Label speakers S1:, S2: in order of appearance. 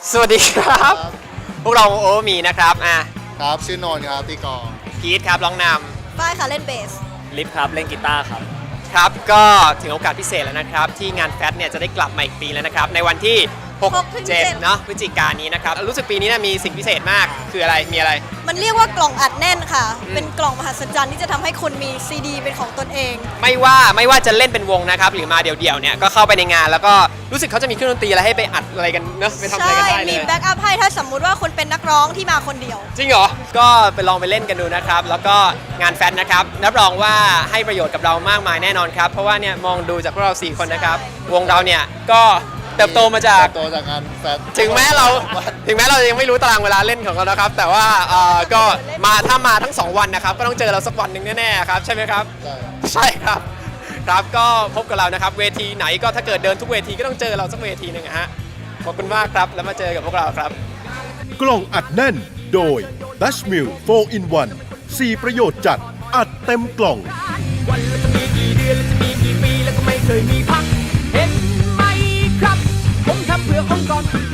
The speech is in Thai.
S1: สวัสดีครับ พวกเราโอมีนะครับ
S2: ครับชื่อนนท์ครับตีกลอง
S1: พีทครับร้องน
S3: ฝ้ายค่ะเล่นเบส
S4: ลิฟครับเล่นกีตาร์ครับ
S1: ครับก็ถึงโอกาสพิเศษแล้วนะครับที่งานแฟตเนี่ยจะได้กลับมาอีกปีแล้วนะครับในวันที่6-7เนาะพฤศจิกายนนี้นะครับรู้สึกปีนี้มีสิ่งพิเศษมากคืออะไรมีอะไร
S3: มันเรียกว่ากล่องอัดแน่นค่ะเป็นกล่องมหัศจรรย์ที่จะทำให้คุณมีซีดีเป็นของตนเอง
S1: ไม่ว่าจะเล่นเป็นวงนะครับหรือมาเดี่ยวๆเนี่ยก็เข้าไปในงานแล้วก็รู้สึกเขาจะมีเครื่องดนตรีอะไรให้ไปอัดอะไรกันเนอะไปทำอะไรกันได้เลย
S3: มีแบ็กอัพให้ถ้าสมมุติว่าคุณเป็นนักร้องที่มาคนเดียว
S1: จริงเหรอก็ไปลองไปเล่นกันดูนะครับแล้วก็งานแฟตนะครับรับรองว่าให้ประโยชน์กับเรามากมายแน่นอนครับเพราะว่าเนี่ยมองดูจากพวกเรา4คนนะครับวงเราเนี่ยก็เติบโตมาจาก
S2: งานแฟต
S1: ถึงแม้เรายังไม่รู้ตารางเวลาเล่นของเรานะครับแต่ว่าก็ถ้ามาทั้ง2วันนะครับก็ต้องเจอเราสักวันหนึ่งแน่ๆครับใช่ไหมครับใช่ครับครับก็พบกับเรานะครับเวทีไหนก็ถ้าเกิดเดินทุกเวทีก็ต้องเจอเราสักเวทีหนึ่งฮะขอบคุณมากครับแล้วมาเจอกับพวกเราครับ
S5: กล่องอัดแน่นโดย Dutch Mill 4 in 1 4 ประโยชน์จัดอัดเต็มกล่อง
S6: วันละจะมีกี่เดือนและจะมีกี่ปีแล้วก็ไม่เคยมีพักเห็นไหมครับผมทำเพื่อองค์กร